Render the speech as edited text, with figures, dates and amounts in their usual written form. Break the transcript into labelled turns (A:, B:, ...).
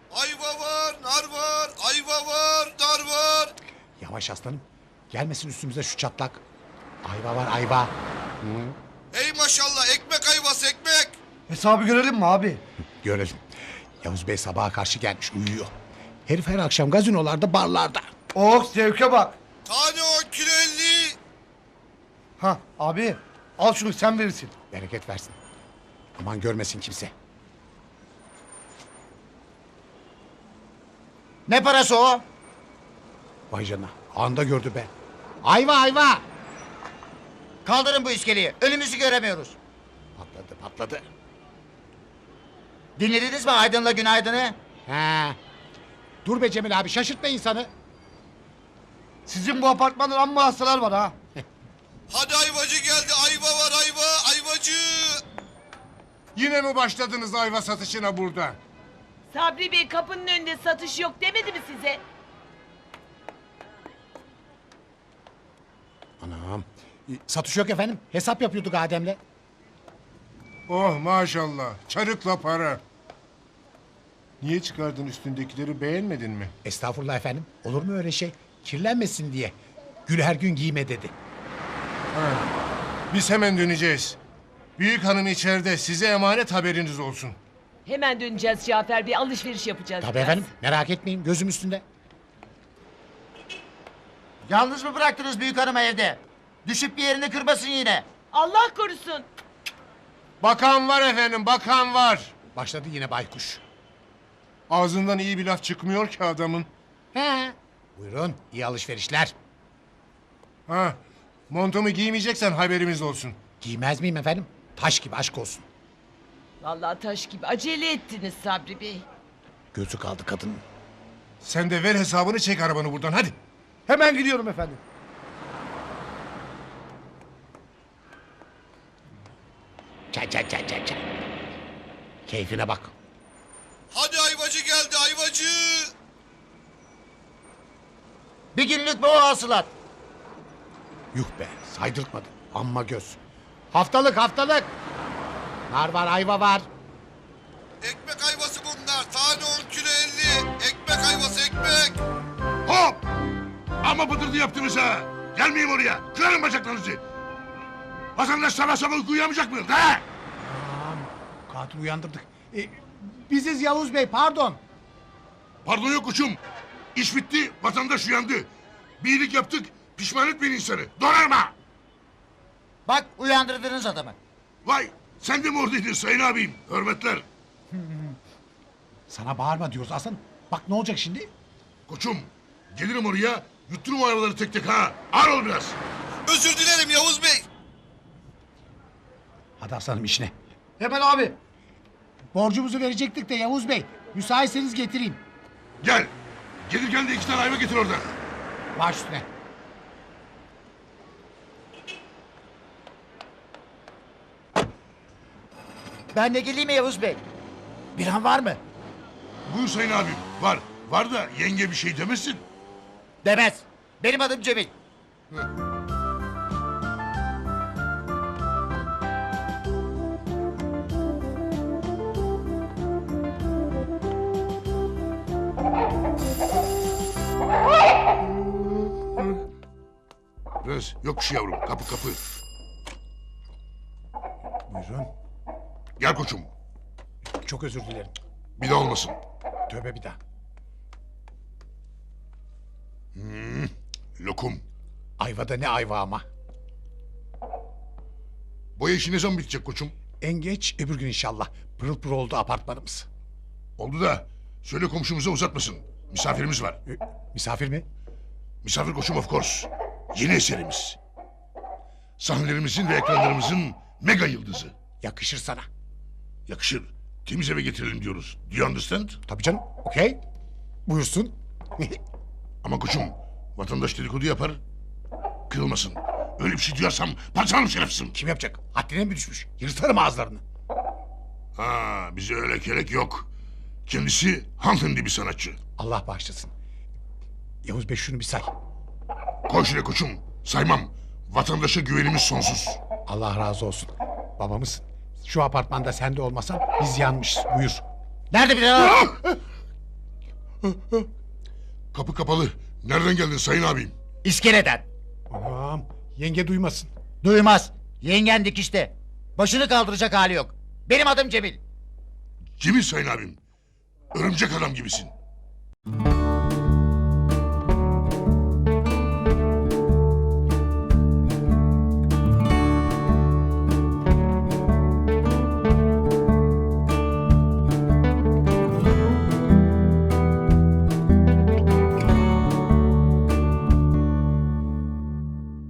A: Ayva var, nar var, ayva var, nar var.
B: Yavaş aslanım. Gelmesin üstümüze şu çatlak. Ayva var ayva.
A: Ey maşallah, ekmek ayvası ekmek.
C: Hesabı görelim mi abi?
B: Görelim. Yavuz Bey sabaha karşı gelmiş uyuyor. Herif her akşam gazinolarda barlarda.
C: Oh zevke bak.
A: Tane 10 kilo 50.
C: Ha abi al şunu sen verirsin.
B: Bereket versin. Aman görmesin kimse.
D: Ne parası o?
B: Vay canına. Anda gördü be. Ayva ayva.
D: Kaldırın bu iskeleyi. Önümüzü göremiyoruz.
B: Patladı patladı.
D: Dinlediniz mi Aydın'la Günaydın'ı?
B: He. Dur be Cemil abi şaşırtma insanı.
C: Sizin bu apartmanda amma hastalar var ha.
A: Hadi ayvacı geldi, ayva var ayva, ayvacı.
E: Yine mi başladınız ayva satışına burada?
F: Sabri Bey kapının önünde satış yok demedi mi size?
B: Anam. Satış yok efendim. Hesap yapıyorduk Adem'le.
E: Oh maşallah, çarıkla para. Niye çıkardın üstündekileri, beğenmedin mi?
B: Estağfurullah efendim. Olur mu öyle şey? Kirlenmesin diye. Gül her gün giyme dedi.
E: Biz hemen döneceğiz. Büyük hanım içeride, size emanet, haberiniz olsun.
F: Hemen döneceğiz Cafer Bey, alışveriş yapacağız.
B: Tabii
F: biraz.
B: efendim. Merak etmeyin. Gözüm üstünde.
D: Yalnız mı bıraktınız büyük hanımı evde? Düşüp bir yerini kırmasın yine.
F: Allah korusun.
E: Bakan var efendim, bakan var.
B: Başladı yine baykuş.
E: Ağzından iyi bir laf çıkmıyor ki adamın.
B: He. Buyurun. İyi alışverişler.
E: Ha, montumu giymeyeceksen haberimiz olsun.
B: Giymez miyim efendim? Taş gibi aşk olsun.
F: Vallahi taş gibi acele ettiniz Sabri Bey.
B: Gözü kaldı kadının.
E: Sen de ver hesabını, çek arabanı buradan, hadi.
C: Hemen gidiyorum efendim.
B: Çay çay çay çay çay. Keyfine bak.
A: Hadi ayvacı geldi, ayvacı.
D: Bir günlük bu o hasılat.
B: Yuh be saydırtmadı. Amma göz. Haftalık haftalık. Nar var ayva var.
A: Ekmek ayvası bunlar, tane 10 kilo 50. Ekmek ayvası ekmek.
G: Hop! Ama bıdırdı yaptınız ha! Gelmeyeyim oraya! Kırarım bacaklarınızı! Vatandaş sabah sabah uyku uyuyamayacak mı? He?
B: Katil uyandırdık. Biziz Yavuz Bey pardon.
G: Pardon yok uçum! İş bitti, vatandaş uyandı. Bir iyilik yaptık, pişman etmeyin insanı. Donarma!
D: Bak uyandırdınız adamı.
G: Vay! Sen de mi oradaydın sayın abim? Hürmetler!
B: Sana bağırma diyoruz Hasan. Bak ne olacak şimdi?
G: Koçum, gelirim oraya, yutturum o arabaları tek tek ha! Ağır ol biraz!
A: Özür dilerim Yavuz Bey.
B: Hadi Hasan'ım işine.
C: Hemen abi.
B: Borcumuzu verecektik de Yavuz Bey. Müsaitseniz getireyim.
G: Gel! Gelirken de 2 tane ayva getir oradan.
B: Baş üstüne.
D: Ben de geleyim mi Yavuz Bey?
B: Bir an var mı?
G: Buyur sayın abim, var. Var da yenge bir şey demesin.
D: Demez. Benim adım Cemil.
G: Rız, yokuş yavrum, kapı kapı.
B: Buyurun.
G: Gel koçum,
B: Çok özür dilerim.
G: bir daha olmasın.
B: Tövbe bir daha.
G: Lokum.
B: Ayvada ne ayva ama.
G: Boya işi ne zaman bitecek koçum?
B: En geç öbür gün inşallah. Pırıl pırıl oldu apartmanımız.
G: Oldu da söyle komşumuza uzatmasın. Misafirimiz var.
B: Misafir mi?
G: Misafir koçum of course. Yeni eserimiz. Sahnelerimizin ve ekranlarımızın mega yıldızı.
B: Yakışır sana.
G: Yakışır. Temiz eve getirelim diyoruz. Do you understand?
B: Tabii canım. Okey. Buyursun.
G: Ama koçum vatandaş dedikodu yapar. Kırılmasın. Öyle bir şey duyarsam parçalarım şerefsizim.
B: Kim yapacak? Haddine mi düşmüş? Yırtarım ağızlarını.
G: Ha, bize öyle kelek yok. Kendisi hanımefendi bir sanatçı.
B: Allah bağışlasın. Yavuz Bey şunu bir say.
G: Koy şuraya koçum. Saymam. Vatandaşa güvenimiz sonsuz.
B: Allah razı olsun. Babamız şu apartmanda sen de olmasan biz yanmışız. Buyur.
D: Nerede bir daha?
G: Kapı kapalı. Nereden geldin sayın abim?
D: İskeleden.
B: Tamam. Yenge duymasın.
D: Duymaz. Yengen dikişte. Başını kaldıracak hali yok. Benim adım Cemil.
G: Cemil sayın abim. Örümcek adam gibisin.